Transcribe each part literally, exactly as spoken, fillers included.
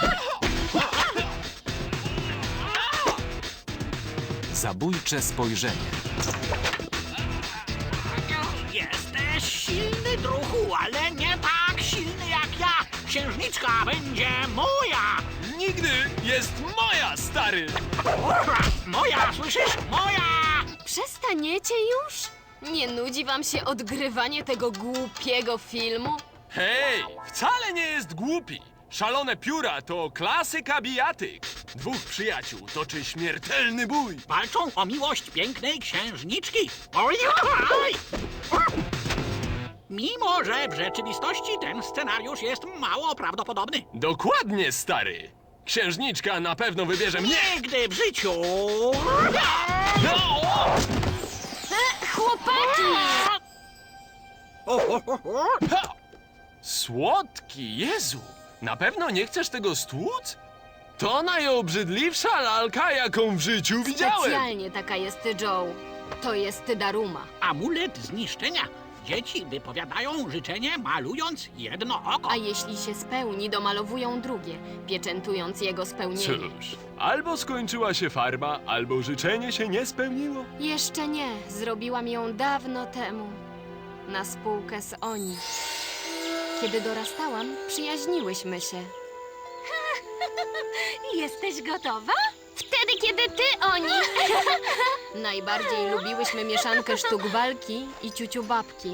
Zabójcze spojrzenie. Jesteś silny, druhu, ale nie tak silny jak ja. Księżniczka będzie moja. Nigdy jest moja, stary! Moja, słyszysz? Moja! Przestaniecie już? Nie nudzi wam się odgrywanie tego głupiego filmu? Hej, wcale nie jest głupi. Szalone pióra to klasyka bijatyk. Dwóch przyjaciół toczy śmiertelny bój. Walczą o miłość pięknej księżniczki. Oj, oj! Mimo, że w rzeczywistości ten scenariusz jest mało prawdopodobny. Dokładnie, stary. Księżniczka na pewno wybierze mnie. Nigdy w życiu! No! E, chłopaki! Ha! Słodki, Jezu! Na pewno nie chcesz tego stłuc? To najobrzydliwsza lalka, jaką w życiu widziałem. Specjalnie taka jest Joe. To jest Daruma. Amulet zniszczenia. Dzieci wypowiadają życzenie, malując jedno oko. A jeśli się spełni, domalowują drugie, pieczętując jego spełnienie. Cóż, albo skończyła się farba, albo życzenie się nie spełniło. Jeszcze nie. Zrobiłam ją dawno temu. Na spółkę z Oni. Kiedy dorastałam, przyjaźniłyśmy się. Jesteś gotowa? Wtedy, kiedy ty, Oni! Najbardziej lubiłyśmy mieszankę sztuk walki i ciuciu babki.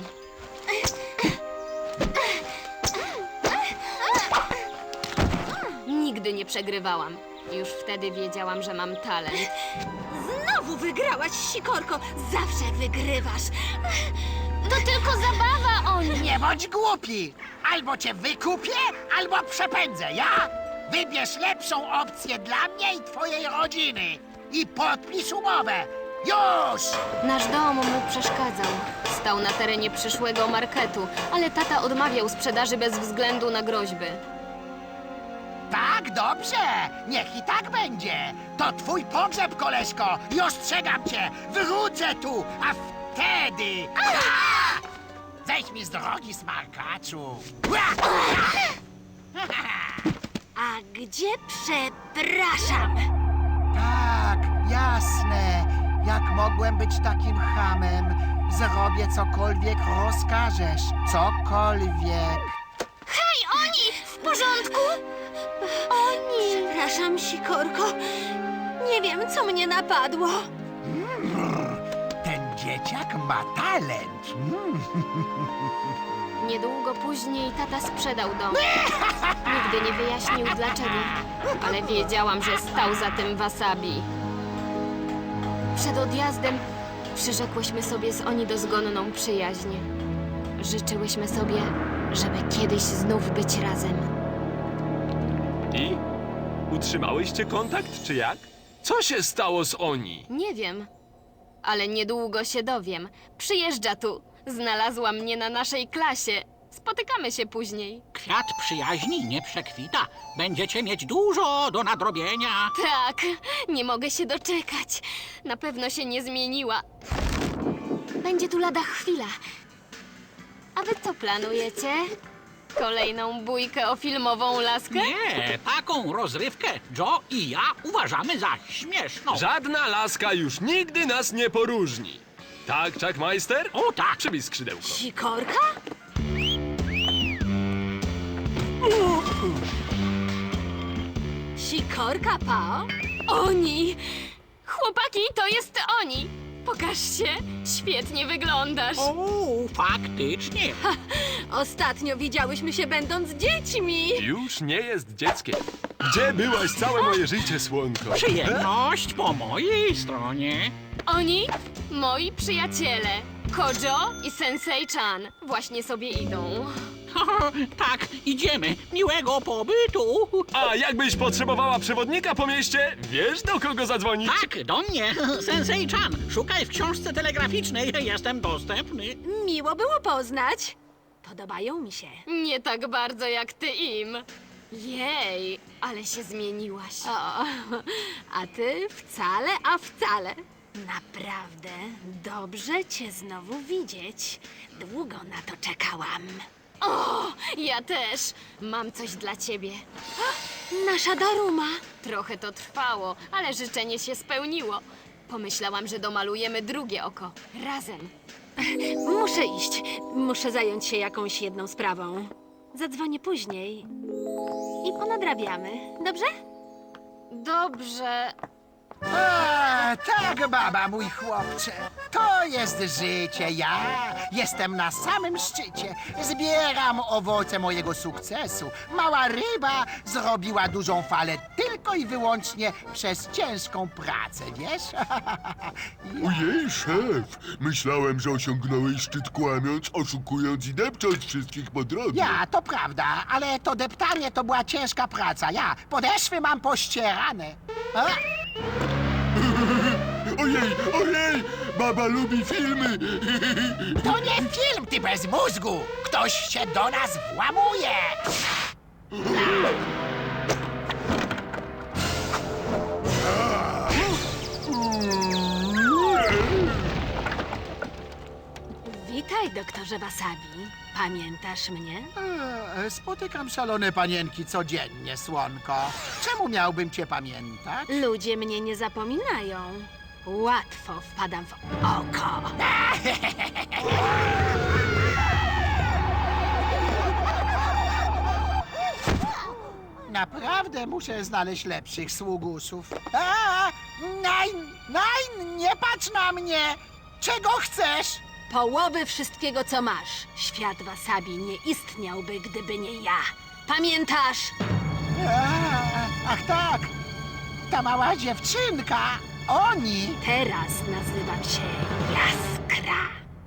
Nigdy nie przegrywałam. Już wtedy wiedziałam, że mam talent. Znowu wygrałaś, Sikorko. Zawsze wygrywasz. To tylko zabawa, Oni! Nie bądź głupi! Albo cię wykupię, albo przepędzę, ja? Wybierz lepszą opcję dla mnie i twojej rodziny. I podpisz umowę. Już! Nasz dom mu przeszkadzał. Stał na terenie przyszłego marketu, ale tata odmawiał sprzedaży bez względu na groźby. Tak, dobrze. Niech i tak będzie. To twój pogrzeb, koleżko. I ostrzegam cię. Wrócę tu, a wtedy... Ha! Zejdź mi z drogi, smarkaczu. A gdzie przepraszam? Tak, jasne. Jak mogłem być takim chamem? Zrobię cokolwiek rozkażesz. Cokolwiek. Hej, Oni! W porządku? Oni! Przepraszam, Sikorko. Nie wiem, co mnie napadło. Ten dzieciak ma talent. Mm. Niedługo później tata sprzedał dom. Nigdy nie wyjaśnił dlaczego, ale wiedziałam, że stał za tym wasabi. Przed odjazdem przyrzekłyśmy sobie z Oni dozgonną przyjaźń. Życzyłyśmy sobie, żeby kiedyś znów być razem. I? Utrzymałyście kontakt, czy jak? Co się stało z Oni? Nie wiem, ale niedługo się dowiem. Przyjeżdża tu. Znalazła mnie na naszej klasie. Spotykamy się później. Kwiat przyjaźni nie przekwita. Będziecie mieć dużo do nadrobienia. Tak, nie mogę się doczekać. Na pewno się nie zmieniła. Będzie tu lada chwila. A wy co planujecie? Kolejną bójkę o filmową laskę? Nie, taką rozrywkę Joe i ja uważamy za śmieszną. Żadna laska już nigdy nas nie poróżni. Tak, Chuckmeister? O tak. Przybij skrzydełko. Sikorka? Sikorka, Pao? Oni! Chłopaki, to jest Oni! Pokaż się, świetnie wyglądasz. O, faktycznie. Ostatnio widziałyśmy się będąc dziećmi. Już nie jest dzieckiem. Gdzie byłaś całe moje życie, słonko? Przyjemność po mojej stronie. Oni, moi przyjaciele, Kojo i Sensei-chan, właśnie sobie idą. Tak, idziemy. Miłego pobytu. A jakbyś potrzebowała przewodnika po mieście, wiesz do kogo zadzwonić? Tak, do mnie. Sensei-chan, szukaj w książce telegraficznej. Jestem dostępny. Miło było poznać. Podobają mi się. Nie tak bardzo jak ty im. Jej, ale się zmieniłaś. O, a ty wcale, a wcale. Naprawdę dobrze cię znowu widzieć. Długo na to czekałam. O, ja też. Mam coś dla ciebie. Nasza Daruma. Trochę to trwało, ale życzenie się spełniło. Pomyślałam, że domalujemy drugie oko. Razem. Muszę iść. Muszę zająć się jakąś jedną sprawą. Zadzwonię później. I ponadrabiamy. Dobrze? Dobrze. A, tak, baba, mój chłopcze. To jest życie. Ja jestem na samym szczycie. Zbieram owoce mojego sukcesu. Mała ryba zrobiła dużą falę tylko i wyłącznie przez ciężką pracę, wiesz? Ojej, szef! Myślałem, że osiągnąłeś szczyt kłamiąc, oszukując i depcząc wszystkich po drodze. Ja, to prawda, ale to deptanie to była ciężka praca. Ja podeszwy mam pościerane. A? Ojej, ojej! Baba lubi filmy! To nie film, ty bez mózgu! Ktoś się do nas włamuje! Witaj, doktorze Wasabi. Pamiętasz mnie? E, Spotykam szalone panienki codziennie, słonko. Czemu miałbym cię pamiętać? Ludzie mnie nie zapominają. Łatwo wpadam w oko. Naprawdę muszę znaleźć lepszych sługusów. A, naj, naj, nie patrz na mnie! Czego chcesz? Połowy wszystkiego, co masz. Świat Wasabi nie istniałby, gdyby nie ja. Pamiętasz? A, ach tak, ta mała dziewczynka. Oni. Teraz nazywam się Jaskra.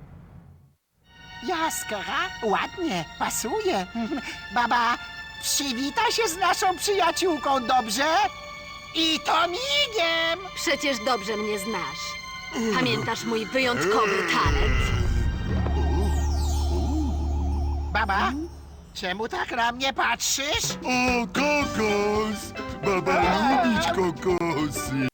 Jaskra? Ładnie, pasuje. Baba, przywita się z naszą przyjaciółką, dobrze? I to migiem! Przecież dobrze mnie znasz. Pamiętasz mój wyjątkowy talent? Baba, czemu tak na mnie patrzysz? O, kokos! Baba lubić kokosy!